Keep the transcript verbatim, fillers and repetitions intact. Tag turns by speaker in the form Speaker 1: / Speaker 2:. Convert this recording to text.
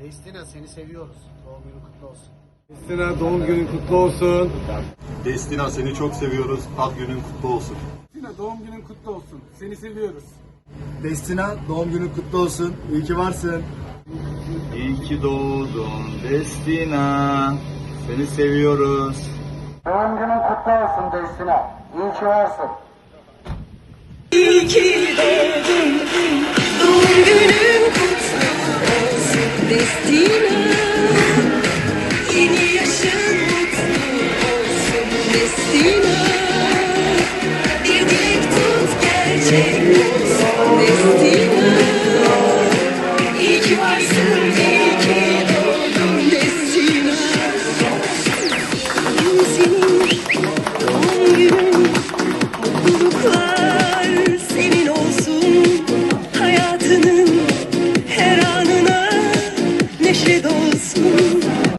Speaker 1: Destina seni seviyoruz. Doğum günün kutlu olsun.
Speaker 2: Destina doğum günün kutlu olsun.
Speaker 3: Destina seni çok seviyoruz. Ad günün kutlu olsun.
Speaker 2: Destina doğum günün kutlu olsun. Seni seviyoruz.
Speaker 4: Destina doğum günün kutlu olsun. İyi ki varsın.
Speaker 3: İyi ki doğdun Destina. Seni seviyoruz.
Speaker 1: Doğum günün kutlu olsun Destina. İyi ki varsın.
Speaker 5: İyi ki doğdun, doğum günün kutlu olsun Destina. Yeni yaşın mutlu olsun Destina. Bir dilek tut gerçek olsun Destina. İyi ki varsın, iyi ki doğdun Destina. Bugün senin doğum günün, mutluluklar senin olsun. Hayatının her anına neşe dolsun.